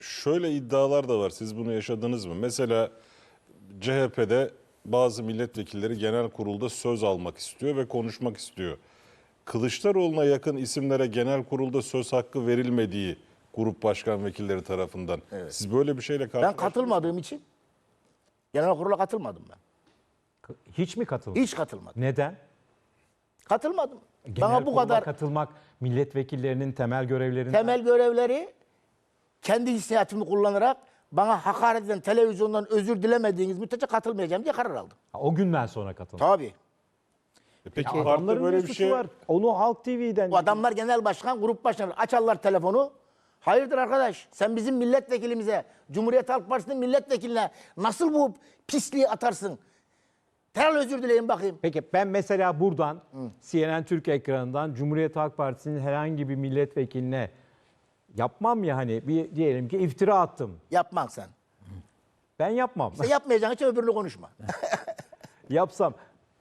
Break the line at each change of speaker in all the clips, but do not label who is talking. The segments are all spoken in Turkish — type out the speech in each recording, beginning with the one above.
şöyle iddialar da var. Siz bunu yaşadınız mı? Mesela CHP'de bazı milletvekilleri genel kurulda söz almak istiyor ve konuşmak istiyor. Kılıçdaroğlu'na yakın isimlere genel kurulda söz hakkı verilmediği grup başkan vekilleri tarafından. Evet. Siz böyle bir şeyle
Ben
karşılaştınız mı?
katılmadığım için genel kurula katılmadım ben.
Hiç mi katıldın?
Hiç katılmadım.
Neden?
Katılmadım.
Genel
Bana bu
kurula
kadar
katılmak milletvekillerinin temel görevlerinden.
temel görevleri kendi hissiyatımı kullanarak bana hakaret eden televizyondan özür dilemediğiniz müddetçe katılmayacağım diye karar aldım.
O günden sonra katılmak.
Tabii.
Peki
Ya
partide
adamların
böyle
ne
bir
suçu
şey
var? Onu Halk TV'den...
Bu adamlar genel başkan, grup başkanı açarlar telefonu. Hayırdır arkadaş, sen bizim milletvekilimize, Cumhuriyet Halk Partisi'nin milletvekiline nasıl bu pisliği atarsın? Terör özür dileyin bakayım.
Peki ben mesela buradan CNN Türk ekranından Cumhuriyet Halk Partisi'nin herhangi bir milletvekiline yapmam ya hani bir diyelim ki iftira attım.
Yapman sen.
Ben yapmam.
İşte yapmayacağın için öbürünü konuşma.
Yapsam.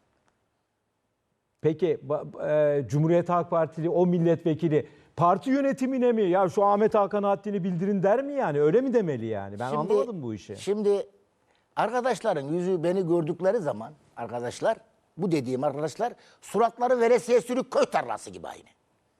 Peki Cumhuriyet Halk Partili o milletvekili parti yönetimine mi ya şu Ahmet Hakan haddini bildirin der mi yani? Öyle mi demeli yani? Ben anlamadım bu işi.
Şimdi arkadaşların yüzü beni gördükleri zaman arkadaşlar, bu dediğim arkadaşlar suratları veresiye sürük köy tarlası gibi aynı.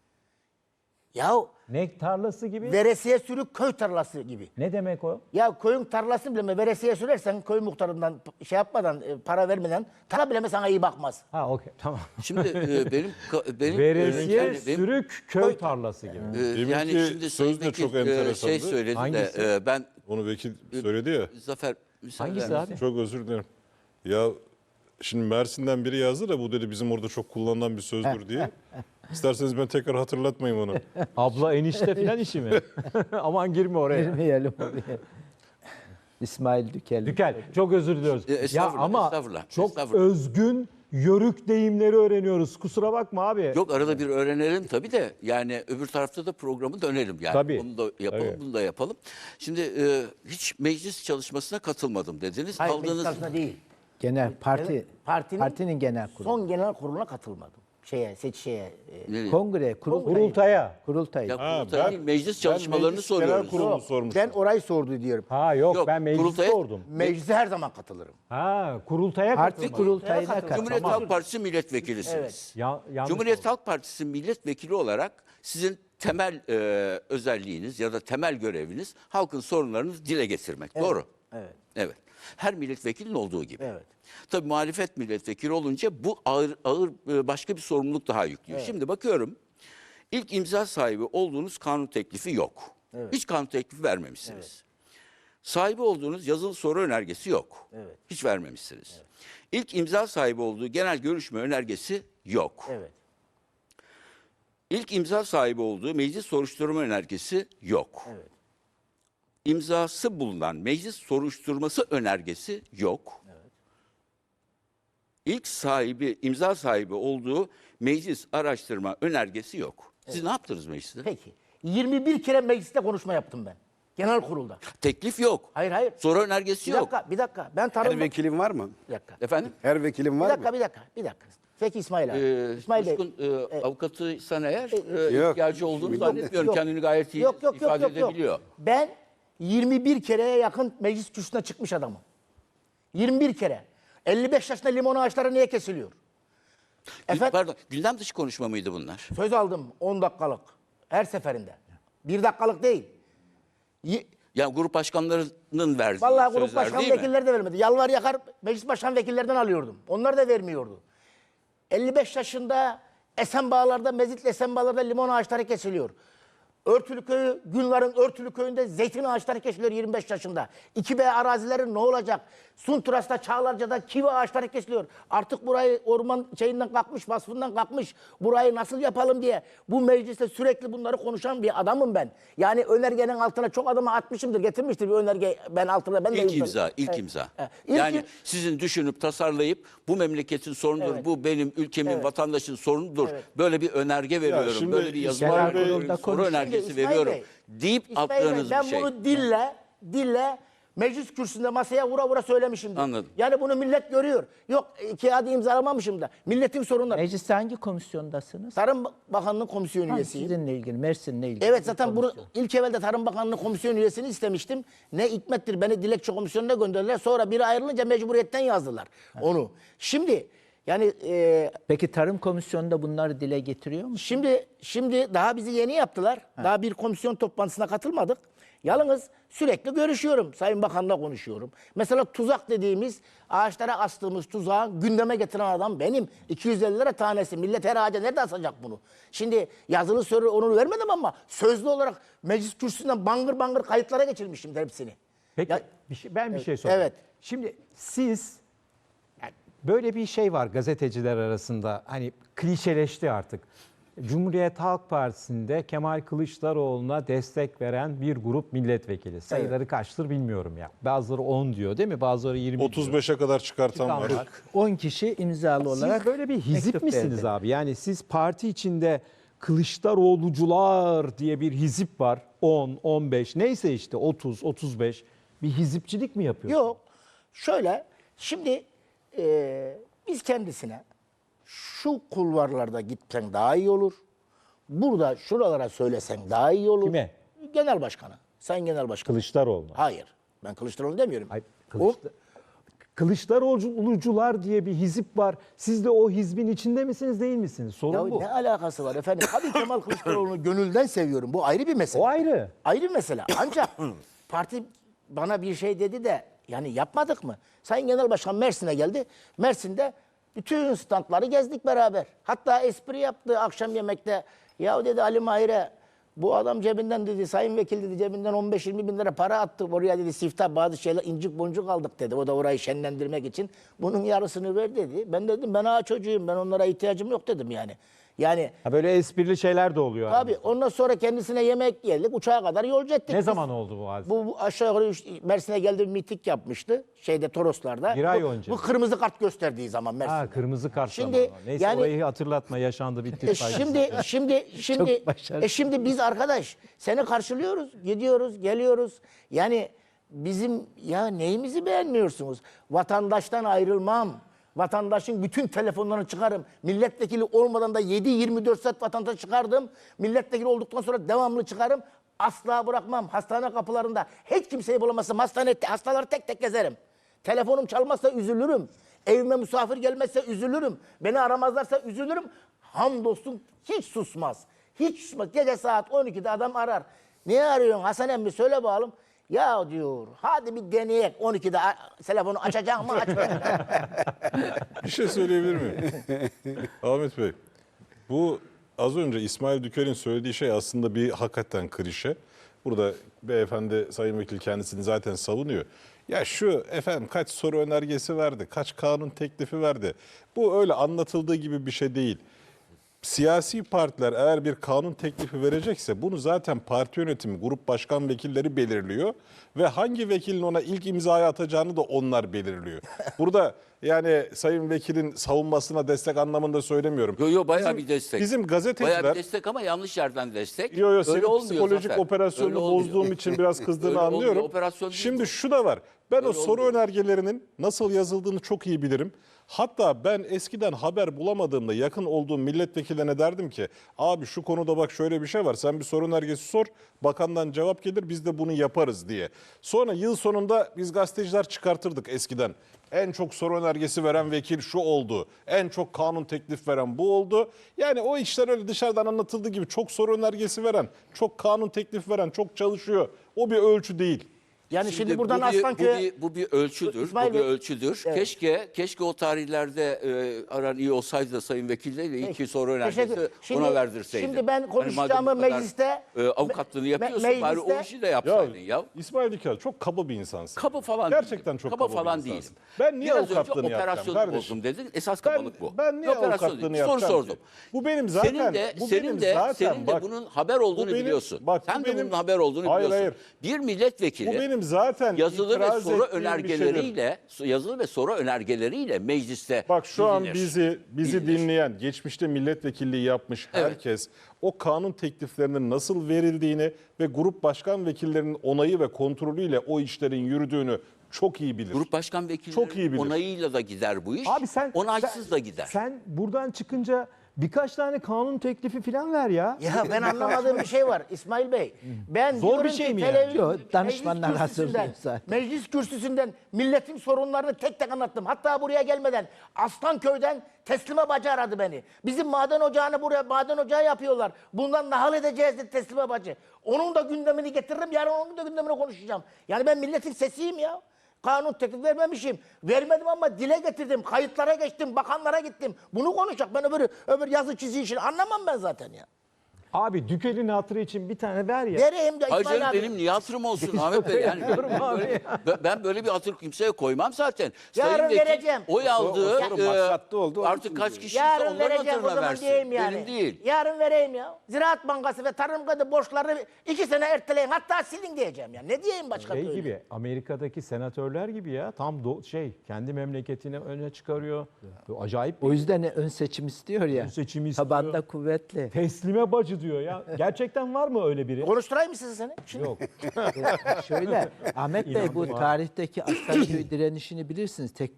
Ya
Ne tarlası gibi?
veresiye sürük köy tarlası gibi.
Ne demek o?
Ya köyün tarlası bile mi veresiye sürersen köy muhtarından şey yapmadan para vermeden tarla bile mi sana iyi bakmaz.
Ha okey tamam.
Şimdi benim
Veresiye
yani benim-
sürük köy tarlası gibi.
yani
Deminki
şimdi
söz
Sayın
de çok
Vekil,
enteresandı.
şey söyledi
Hangisi?
de ben
Onu vekil söyledi ya.
Zafer müsaade
Hangisi
eder
abi?
misin?
Çok özür dilerim. Ya şimdi Mersin'den biri yazdı da bu dedi bizim orada çok kullanılan bir sözdür diye. İsterseniz ben tekrar hatırlatmayayım onu.
Abla enişte falan işi mi? Aman girme oraya.
Girmeyelim oraya. İsmail Dükel.
Dükel çok özür diliyoruz. Ya
Estağfurullah,
ama
estağfurullah,
çok
estağfurullah.
özgün yörük deyimleri öğreniyoruz. Kusura bakma abi.
Yok arada bir öğrenelim tabii de yani öbür tarafta da programı dönelim yani.
Tabii.
Onu da yapalım,
Tabii.
bunu da yapalım. Şimdi hiç meclis çalışmasına katılmadım dediniz.
Hayır,
Kaldığınız
meclis değil.
Genel
Partinin
partinin genel kurulu.
Son genel kuruluna katılmadım.
Nereye?
Kongre,
Kurultaya.
kurultay.
Ya
Ha,
kurultay değil, meclis çalışmalarını
meclis genel
soruyoruz.
kurulu
Yok,
sormuştum.
ben orayı sordu diyorum.
Ha yok,
Yok,
ben meclis
kurultaya-
sordum.
Meclise her zaman katılırım.
Ha kurultaya
Parti
katılmadım.
kurultayına
Katılım.
katıldı.
Cumhuriyet
Tamam.
Halk Partisi milletvekilisiniz.
Yanlış
Cumhuriyet
oldu.
Halk Partisi milletvekili olarak sizin temel özelliğiniz ya da temel göreviniz halkın sorunlarını dile getirmek. Doğru.
Evet.
Evet. Her milletvekilinin olduğu gibi.
Evet.
Tabii muhalefet milletvekili olunca bu ağır başka bir sorumluluk daha yüklüyor. Şimdi bakıyorum ilk imza sahibi olduğunuz kanun teklifi yok. Hiç kanun teklifi vermemişsiniz. Sahibi olduğunuz yazılı soru önergesi yok.
Evet.
Hiç vermemişsiniz. İlk imza sahibi olduğu genel görüşme önergesi yok.
Evet.
İlk imza sahibi olduğu meclis soruşturma önergesi yok.
Evet.
İmzası bulunan meclis soruşturması önergesi yok. İlk sahibi, imza sahibi olduğu meclis araştırma önergesi yok. Siz ne yaptınız mecliste?
Peki. 21 kere mecliste konuşma yaptım ben. Genel kurulda.
Teklif yok.
Hayır hayır.
Soru önergesi
Bir
yok.
dakika, bir dakika. Ben
Her
tanım.
vekilin var mı?
Bir dakika.
Efendim?
Her vekilin
Bir
var
dakika,
mı?
bir dakika. Peki İsmail abi. İsmail Bey.
Coşkun avukatıysan eğer
Yok.
ihtiyacı olduğunu
Bilmem
zannetmiyorum.
Yok.
Kendini gayet iyi
Yok,
ifade edebiliyor.
Ben 21 kereye yakın meclis kürsüsüne çıkmış adamım. 21 kere. 55 yaşında limon ağaçları niye kesiliyor? Efendim,
Pardon, gündem dışı konuşma mıydı bunlar?
söz aldım 10 dakikalık. Her seferinde. 1 dakikalık değil.
Yani grup başkanlarının verdiği
Vallahi grup
sözler
başkan
değil mi?
vekilleri de vermedi. Yalvar yakar meclis başkan vekillerinden alıyordum. Onlar da vermiyordu. 55 yaşında Esenbağlar'da, Mezitli Esenbağlar'da limon ağaçları kesiliyor. Örtülü köyü, Günlar'ın Örtülü köyünde zeytin ağaçları kesiliyor 25 yaşında. 2B arazileri ne olacak? Sunturas'ta, Çağlarca'da kivi ağaçları kesiliyor. Artık burayı orman şeyinden kalkmış, vasfından kalkmış. Burayı nasıl yapalım diye bu mecliste sürekli bunları konuşan bir adamım ben. Yani önergenin altına çok adamı atmışımdır, getirmiştir bir önerge ben altına. Ben de
İlk imza, ilk imza. Yani sizin düşünüp tasarlayıp bu memleketin sorunudur,
Evet.
bu benim ülkemin, vatandaşın sorunudur. Böyle bir önerge veriyorum,
şimdi
böyle bir yazı
İsmail Bey-
veriyorum, soru önergesi
İsmail
veriyorum
Bey,
deyip
İsmail Bey,
attığınız
ben
bir şey.
bunu dille Meclis kürsüsünde masaya vura vura söylemişimdir.
Anladım.
Yani bunu millet görüyor. Yok kağıdı imzalamamışım da. Milletin sorunları.
Mecliste hangi komisyondasınız?
Tarım Bakanlığı komisyon
Ha,
üyesiyim.
sizinle ilgili, Mersin'le ilgili.
Evet
bir
zaten bunu
komisyon.
ilk evvelde Tarım Bakanlığı komisyon üyesini istemiştim. Ne hikmettir beni dilekçe komisyonuna gönderdiler. Sonra biri ayrılınca mecburiyetten yazdılar onu. Şimdi yani
Peki Tarım Komisyonu'nda bunları dile getiriyor mu?
şimdi daha bizi yeni yaptılar. Daha bir komisyon toplantısına katılmadık. Yalnız sürekli görüşüyorum. Sayın Bakan'la konuşuyorum. Mesela tuzak dediğimiz ağaçlara astığımız tuzağı gündeme getiren adam benim. 250 lira tanesi. Millet her ağaca nerede asacak bunu? Şimdi yazılı soru onu vermedim ama sözlü olarak meclis kürsüsünden bangır bangır kayıtlara geçirmişim hepsini.
Peki
Ya-
ben bir şey sorayım.
Evet.
Şimdi siz yani böyle bir şey var gazeteciler arasında hani klişeleşti artık. Cumhuriyet Halk Partisi'nde Kemal Kılıçdaroğlu'na destek veren bir grup milletvekili. Sayıları kaçtır bilmiyorum ya. Bazıları 10 diyor değil mi? Bazıları 20 diyor.
35'e kadar çıkartan
Çıkan
var.
var.
10 kişi imzalı olarak
Siz böyle bir hizip
mektup
misiniz
verdi.
abi? Yani siz parti içinde Kılıçdaroğlucular diye bir hizip var. 10, 15 neyse işte 30, 35 bir hizipçilik mi yapıyorsunuz?
Yok. Şöyle şimdi biz kendisine şu kulvarlarda gitsen daha iyi olur. Burada şuralara söylesen daha iyi olur.
Kime?
Genel başkanı. Sayın Genel Başkanı.
Kılıçdaroğlu.
Hayır. Ben Kılıçdaroğlu demiyorum.
Hayır,
O,
Kılıçdaroğlucular diye bir hizip var. Siz de o hizbin içinde misiniz değil misiniz?
ya
Sorun bu.
ne alakası var efendim? Tabii Kemal Kılıçdaroğlu'nu gönülden seviyorum. Bu ayrı bir mesele.
O ayrı.
Ayrı bir mesele. Ancak parti bana bir şey dedi de yani yapmadık mı? Sayın Genel Başkan Mersin'e geldi. Mersin'de bütün standları gezdik beraber. Hatta espri yaptı akşam yemekte. Ya dedi Ali Mahir'e bu adam cebinden dedi sayın vekil dedi cebinden 15-20 bin lira para attı. Oraya dedi siftah bazı şeyler incik boncuk aldık dedi. O da orayı şenlendirmek için. Bunun yarısını ver dedi. Ben dedim ben ağa çocuğuyum ben onlara ihtiyacım yok dedim yani. Yani
Ha, böyle esprili şeyler de oluyor.
tabii ondan sonra kendisine yemek yedik uçağa kadar yolcu ettik.
Ne
biz.
zaman oldu bu hadise?
Bu aşağı yukarı Mersin'e geldi bir miting yapmıştı. Şeyde Toroslar'da.
Bir ay
Bu-
önce.
Bu kırmızı kart gösterdiği zaman Mersin'de.
Ha, kırmızı kart
Şimdi,
zamanı. Neyse
yani-
orayı hatırlatma yaşandı bitti.
Şimdi
başarılı.
şimdi biz arkadaş seni karşılıyoruz, gidiyoruz, geliyoruz. Yani bizim ya neyimizi beğenmiyorsunuz? Vatandaştan ayrılmam. Vatandaşın bütün telefonlarını çıkarım. Milletvekili olmadan da 7-24 saat vatandaş çıkardım. Milletvekili olduktan sonra devamlı çıkarım. Asla bırakmam. Hastane kapılarında hiç kimseyi bulamazsam hastaları tek tek gezerim. Telefonum çalmazsa üzülürüm. Evime misafir gelmezse üzülürüm. Beni aramazlarsa üzülürüm. Hamdolsun hiç susmaz. Hiç susmaz. Gece saat 12'de adam arar. Niye arıyorsun Hasan emmi söyle bakalım. Ya diyor hadi bir deneyek 12'de telefonu açacak mı açmayacak mı?
Bir şey söyleyebilir miyim? Ahmet Bey, bu az önce İsmail Dükel'in söylediği şey aslında bir hakikaten klişe. Burada beyefendi Sayın Vekil kendisini zaten savunuyor. Ya şu efendim kaç soru önergesi verdi, kaç kanun teklifi verdi. Bu öyle anlatıldığı gibi bir şey değil. Siyasi partiler eğer bir kanun teklifi verecekse bunu zaten parti yönetimi, grup başkan vekilleri belirliyor ve hangi vekilin ona ilk imzayı atacağını da onlar belirliyor. Burada yani Sayın Vekil'in savunmasına destek anlamında söylemiyorum.
Yo bayağı bir destek.
Bizim
Bayağı
gazeteciler
bir destek ama yanlış yerden destek.
Yo senin
olmuyor
psikolojik
Zafer.
operasyonunu
Öyle olmuyor.
bozduğum için biraz kızdığını
Öyle olmuyor,
anlıyorum.
operasyon değil
Şimdi
bu.
şu da var. Ben o
Öyle
soru
olmuyor.
önergelerinin nasıl yazıldığını çok iyi bilirim. Hatta ben eskiden haber bulamadığımda yakın olduğum milletvekillerine derdim ki abi şu konuda bak şöyle bir şey var. Sen bir soru önergesi sor. Bakandan cevap gelir biz de bunu yaparız diye. Sonra yıl sonunda biz gazeteciler çıkartırdık eskiden. En çok soru önergesi veren vekil şu oldu. En çok kanun teklif veren bu oldu. Yani o işler öyle dışarıdan anlatıldığı gibi çok soru önergesi veren, çok kanun teklif veren, çok çalışıyor. O bir ölçü değil.
Yani şimdi buradan
bu bir-
Aslanköy'e
bu bir ölçüdür.
İsmail
Bu bir
Bey-
ölçüdür.
Evet.
Keşke o tarihlerde aran iyi olsaydı da Sayın Vekil'le iki soru önergesi
Teşekkür-
ona verdirseydin.
Şimdi ben
Hani
konuşacağımı
madem bu kadar,
mecliste
avukatlığını yapıyorsun bari o
mecliste-
işi de yapsaydın ya.
İsmail Dikel çok kaba bir insansın.
Kaba falan
Gerçekten
değilim.
çok
kaba
kaba
falan
bir
değilim.
insansın. Ben niye
Biraz önce
avukatlığını yapacağım
operasyonu
kardeşim?
bozdum dedin. Esas kabalık bu.
Ben niye
Operasyon
avukatlığını
değil. Soru
yapacağım
sordum.
ki? Bu benim zaten.
Senin de
bak,
bunun haber olduğunu
bu benim-
biliyorsun.
bak, bu
Sen de
benim-
bunun haber olduğunu
Hayır,
biliyorsun.
hayır.
Bir milletvekili
Bu benim benim zaten
yazılı ve
itiraz
soru
ettiğim bir
önergeleriyle yazılı ve soru önergeleriyle mecliste
Bak şu an
bilinir.
bizi
Bilinir.
dinleyen, geçmişte milletvekilliği yapmış
Evet.
herkes o kanun tekliflerinin nasıl verildiğini ve grup başkan vekillerinin onayı ve kontrolüyle o işlerin yürüdüğünü çok iyi bilir.
Grup başkan
Çok iyi
vekillerinin
bilir.
onayıyla da gider bu iş.
Abi
onaysız da gider.
Sen buradan çıkınca birkaç tane kanun teklifi falan ver ya.
Ya ben anlamadığım bir şey var İsmail Bey. Ben
Zor
diyorum
bir şey
ki
mi yani?
televizyon-
Yok, danışmanlar
meclis kürsüsünden-
hazırlıyor zaten.
Meclis kürsüsünden milletin sorunlarını tek tek anlattım. Hatta buraya gelmeden Aslanköy'den Teslime Bacı aradı beni. Bizim maden ocağını buraya maden ocağı yapıyorlar. Bundan nahal edeceğiz dedi Teslime Bacı. Onun da gündemini getiririm. Yarın onun da gündemini konuşacağım. Yani ben milletin sesiyim ya. Kanun teklif vermemişim. Vermedim ama dile getirdim. Kayıtlara geçtim. Bakanlara gittim. Bunu konuşacak. Ben öbür yazı çizi işini anlamam ben zaten ya.
Abi Dükel'in hatırı için bir tane ver ya.
Vereyim de
Hayır
İsmail
canım
abi.
benim niye hatırım olsun Ahmet Bey? Yani ben böyle bir hatır kimseye koymam zaten.
Yarın
Sayın Vekil
vereceğim.
oy aldığı
o sorun maksatlı oldu, onun
artık
için
kaç
diyor.
kişiyse
Yarın
onların
vereceğim o
hatırına
zaman
versin.
diyeyim yani.
Benim değil.
Yarın vereyim ya. Ziraat Bankası ve Tarım Kredi borçlarını 2 sene erteleyin. Hatta silin diyeceğim ya. Ne diyeyim başka
Şey
türlü?
gibi Amerika'daki senatörler gibi ya tam kendi memleketini öne çıkarıyor. Böyle acayip
O yüzden ön seçim istiyor ya.
Ön seçim istiyor.
Tabanda kuvvetli.
teslime bacı diyor ya. Gerçekten var mı öyle biri?
Konuşturayım mı sizi seni? Şimdi
Yok.
Şöyle Ahmet Bey bu tarihteki Aslanköy direnişini bilirsiniz. Tek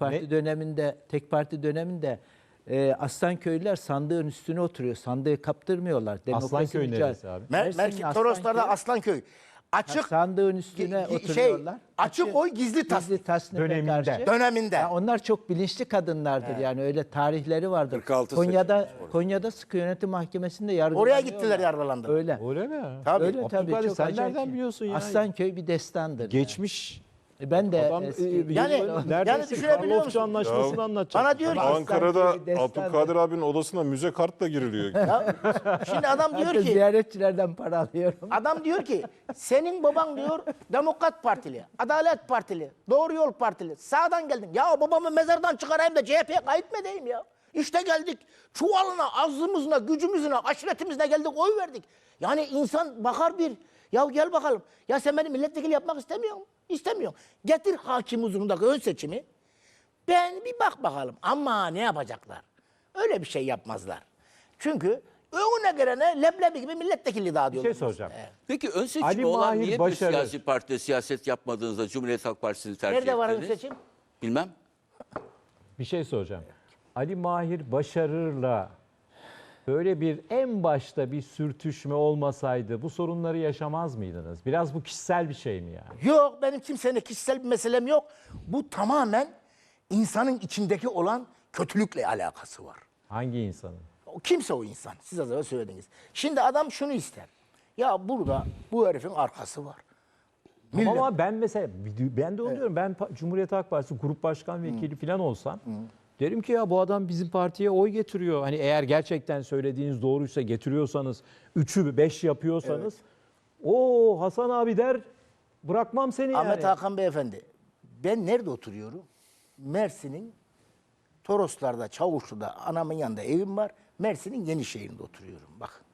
parti döneminde Aslanköylüler sandığın üstüne oturuyor. Sandığı kaptırmıyorlar.
Aslanköy
mücadele-
neresi abi?
Mersin'in
Merkez Toroslar'da
Aslanköy.
Aslanköy. Açık
Sandığın üstüne oturuyorlar.
açık oy gizli tasdik
tasnife
Döneminde.
karşı.
döneminde.
Ya onlar çok bilinçli kadınlardır yani öyle tarihleri vardır.
46
Konya'da Sıkı Yönetim Mahkemesi'nde yargılanıyorlar.
Oraya gittiler yargılandı.
Öyle.
Öyle mi?
Tabii.
Öyle tabii.
Abdülkadir,
Çok
sen
acayip
nereden
şey.
biliyorsun ya?
Aslanköy bir destandır.
Geçmiş.
Ben de
Adam
eski-
Yani
neredeyse
düşünebiliyor
Karlofça
musun?
Anlaşması'nı anlatacak.
Bana diyor ki
Ankara'da
Aslan gibi destan
Abdülkadir abinin odasına müze kartla giriliyor.
şimdi adam diyor
Hatta
ki
ziyaretçilerden para alıyorum.
adam diyor ki senin baban diyor Demokrat Partili, Adalet Partili, Doğru Yol Partili. Sağdan geldin. Ya babamı mezardan çıkarayım da CHP'ye kayıt mı edeyim ya? İşte geldik. Çuvalına, azlımızla, gücümüzle, aşiretimizle geldik, oy verdik. Yani insan bakar bir. Ya gel bakalım. Ya sen beni milletvekili yapmak istemiyor musun? İstemiyorum. Getir hakim huzurundaki ön seçimi. Ben bir bak bakalım. Ama ne yapacaklar? Öyle bir şey yapmazlar. Çünkü önüne gelene leblebi gibi milletvekili daha
Bir
diyorlar.
şey soracağım.
Peki ön seçimi
Ali
olan
Mahir
niye
Başarır.
bir siyasi partide siyaset yapmadığınızda Cumhuriyet Halk Partisi'ni tercih
Nerede var ön
ettiniz?
seçim?
Bilmem.
Bir şey soracağım. Ali Mahir Başarır'la böyle bir en başta bir sürtüşme olmasaydı bu sorunları yaşamaz mıydınız? Biraz bu kişisel bir şey mi yani?
Yok, benim kimseyle kişisel bir meselem yok. Bu tamamen insanın içindeki olan kötülükle alakası var.
Hangi insanın?
O kimse o insan. Siz az evvel söylediniz. Şimdi adam şunu ister. Ya burada bu herifin arkası var. Millet-
Ama ben mesela ben de onu diyorum. Ben Cumhuriyet Halk Partisi grup başkan vekili falan olsam derim ki ya bu adam bizim partiye oy getiriyor. Hani eğer gerçekten söylediğiniz doğruysa getiriyorsanız 3'ü 5 yapıyorsanız o Hasan abi der bırakmam seni
Ahmet
yani.
Hakan Beyefendi, ben nerede oturuyorum? Mersin'in Toroslar'da, Çavuşlu'da, anamın yanında evim var. Mersin'in Yenişehir'inde oturuyorum. Bakın.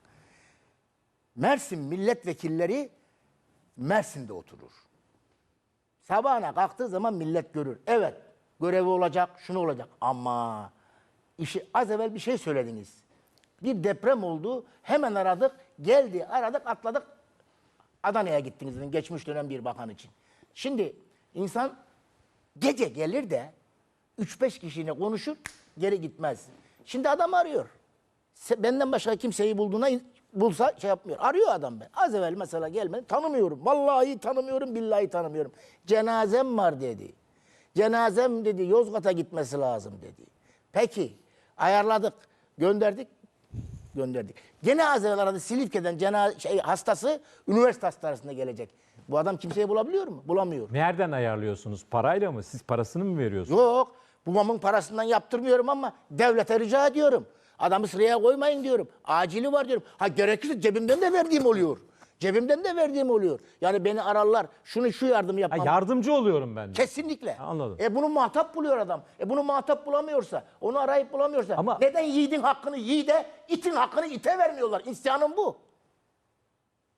Mersin milletvekilleri Mersin'de oturur. Sabahına kalktığı zaman millet görür. Evet, görevi olacak, şunu olacak. Ama az evvel bir şey söylediniz. Bir deprem oldu, hemen aradık, geldi, aradık, atladık. Adana'ya gittiniz dedin, geçmiş dönem bir bakan için. Şimdi insan gece gelir de 3-5 kişiyle konuşur, geri gitmez. Şimdi adam arıyor. Benden başka kimseyi bulsa şey yapmıyor. Arıyor adam ben. Az evvel mesela gelmedi. Tanımıyorum. Vallahi tanımıyorum, billahi tanımıyorum. Cenazem var dedi. Cenazem dedi Yozgat'a gitmesi lazım dedi. Peki ayarladık, gönderdik. Gene az evvel aradı Silifke'den hastası üniversite hastanesine gelecek. Bu adam kimseyi bulabiliyor mu? Bulamıyor.
Nereden ayarlıyorsunuz? Parayla mı? Siz parasını mı veriyorsunuz?
Yok. Babamın parasından yaptırmıyorum ama devlete rica ediyorum. Adamı sıraya koymayın diyorum. Acili var diyorum. Ha gerekirse cebimden de verdiğim oluyor. Yani beni ararlar. Şu yardım
Ha,
yapmam.
yardımcı oluyorum ben de.
Kesinlikle.
Anladım.
Bunu muhatap buluyor adam. Bunu muhatap bulamıyorsa, onu arayıp bulamıyorsa
Ama-
neden yiğidin hakkını yiğide, itin hakkını ite vermiyorlar? İsyanım bu.